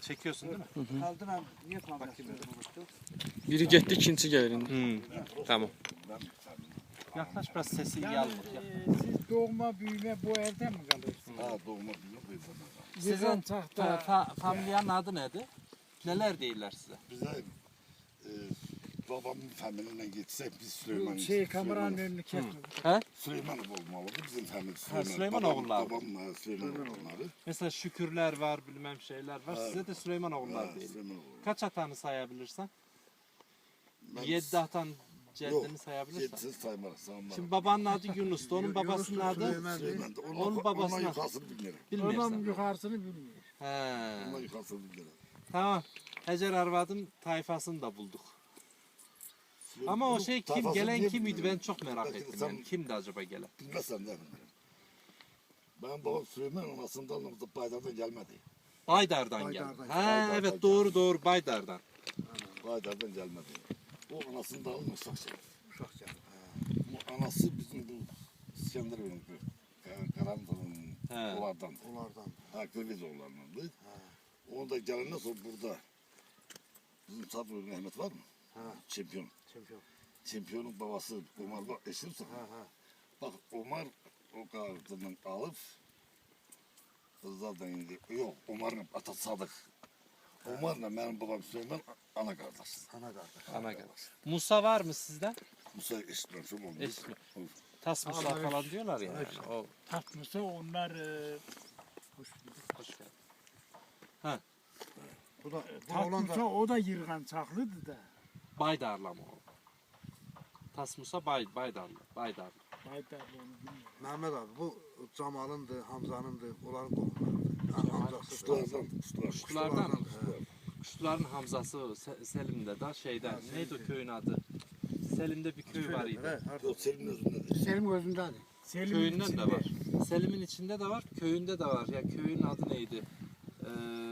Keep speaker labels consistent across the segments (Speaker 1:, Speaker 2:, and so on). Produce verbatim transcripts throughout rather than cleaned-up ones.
Speaker 1: Çekiyorsun değil mi?
Speaker 2: Kaldıran niye kalmasın?
Speaker 3: Biri gitti, ikinci gelir indi.
Speaker 1: Hmm. Tamam. Yaklaş biraz sesi iyi al.
Speaker 2: Ee, siz doğma büyüme bu evde mi kalıyorsunuz?
Speaker 4: Ha doğma büyüme bu yüzden.
Speaker 1: Sizin
Speaker 2: Sizin tahta
Speaker 1: fa familyanın adı nedir? Neler değiller size?
Speaker 4: Bize e, babamın familiyle gitsek biz Süleyman.
Speaker 2: şey kameranın önünü kesmedi.
Speaker 1: He?
Speaker 4: Süleymanov olmalıdı bizim family Süleyman.
Speaker 1: Süleyman
Speaker 4: babam,
Speaker 1: oğulları.
Speaker 4: Babam ha, Süleyman oğulları.
Speaker 1: Mesela Şükürler var, bilmem şeyler var. Size de Süleyman oğullar
Speaker 4: Ha,
Speaker 1: değil.
Speaker 4: Süleyman oğulları.
Speaker 1: Kaç hatanı sayabilirsen?
Speaker 4: Ben
Speaker 1: Yedi hatan ceddini
Speaker 4: Yok,
Speaker 1: sayabilirsen.
Speaker 4: Yedisiz saymarak saymarak.
Speaker 1: Şimdi babanın adı Yunus'tu. Onun babasının adı
Speaker 4: Süleyman da onun,
Speaker 1: onun
Speaker 4: onun
Speaker 1: babasına-
Speaker 4: yukarısını bilmiyorum.
Speaker 2: Onun
Speaker 1: bilmiyorsun.
Speaker 2: yukarısını bilmiyor.
Speaker 1: He.
Speaker 4: Onun yukarısını bilmiyorum.
Speaker 1: Tamam. Hacer Arvad'ın tayfasını da bulduk.
Speaker 4: Süleyman-
Speaker 1: Ama o
Speaker 4: bunun
Speaker 1: şey kim,
Speaker 4: tayfasını
Speaker 1: gelen
Speaker 4: niye
Speaker 1: kim idi ben
Speaker 4: bilmiyorum?
Speaker 1: çok merak
Speaker 4: Belki
Speaker 1: ettim.
Speaker 4: sen
Speaker 1: Yani. Kimdi acaba gelen?
Speaker 4: Bilmezsen de bilmiyorum. Ben babam Süleyman anasından Baydar'dan gelmedi.
Speaker 1: Baydar'dan geldi.
Speaker 2: Baydar'dan.
Speaker 1: Ha
Speaker 4: Baydar'dan
Speaker 1: evet doğru doğru Baydar'dan.
Speaker 4: Baydar'dan gelmedi. O anasını da almış Uşakça.
Speaker 2: Uşak canım.
Speaker 4: Bu anası bizim bu İskenderun'un Karanlı'nın
Speaker 1: He.
Speaker 4: olardan.
Speaker 2: Onlardan.
Speaker 4: Ha Kırgız oğullarındandı. Onu da gelen sonra burada bizim Sabri Mehmet var mı?
Speaker 2: Ha.
Speaker 4: Şampiyon.
Speaker 2: Şampiyon.
Speaker 4: Şampiyonun babası Ömer bak eşimse.
Speaker 2: Ha ha.
Speaker 4: Bak Ömer o kartından alıp kızlardan indi. Yok Ömer'in atası Sadık. Ömer'le benim babam Süleyman ana kardeş.
Speaker 2: Ana kardeş.
Speaker 1: Ana gel. Musa var mı sizden?
Speaker 4: Musa eşitmem şu oldu.
Speaker 1: Eşitmem. Tas Musa
Speaker 2: Allah
Speaker 1: falan diyorlar ya. Yani. O,
Speaker 2: Tatlısı onlar e, hoş
Speaker 1: hoş geldin.
Speaker 2: Bu da tatlısı o da yırgan çaklıdı da.
Speaker 1: Baydarlı mı o? Tas Musa Bay, Baydarlı. Baydarlı.
Speaker 2: Baydarlı onu bilmiyorum.
Speaker 5: Mehmet abi bu Cemal'ındı, Hamza'nındı, onların qohumlarıdır. Hamzası.
Speaker 4: Kuşlardan, kuşlar.
Speaker 1: Kuşlardan.
Speaker 5: He.
Speaker 1: Kuşların Hamzası Se- Selim'de da şeyden. Neydi o köyün adı? Selim'de bir köy var idi.
Speaker 5: He, harda.
Speaker 4: O senin özündedir.
Speaker 2: Selim gözünden. Selim
Speaker 1: Köyünden de var. Selim'in içinde de var, köyünde de var. Ya köyün adı neydi? Ee,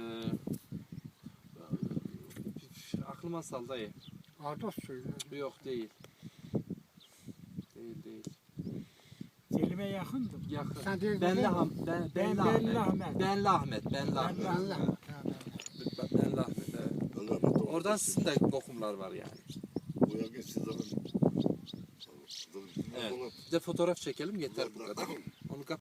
Speaker 1: aklıma sal dayı.
Speaker 2: Ados söylüyor.
Speaker 1: Yok değil. Değil değil.
Speaker 2: Selim'e yakındı.
Speaker 1: Yakın.
Speaker 2: Sen değil,
Speaker 1: Benli,
Speaker 2: değil mi?
Speaker 1: Ham, ben,
Speaker 2: Ben-
Speaker 1: Benli
Speaker 2: Benli
Speaker 1: Ahmet.
Speaker 2: Ahmet.
Speaker 1: Benli Ahmet. Benli Ahmet.
Speaker 2: Ben Allah.
Speaker 1: Benli Ahmet. Evet.
Speaker 4: Allah rahmet eylesin.
Speaker 1: Oradan sizin de kokumlar var yani.
Speaker 4: Bu yakın sizlerin.
Speaker 1: Evet. Bir de fotoğraf çekelim yeter bu kadar. Onu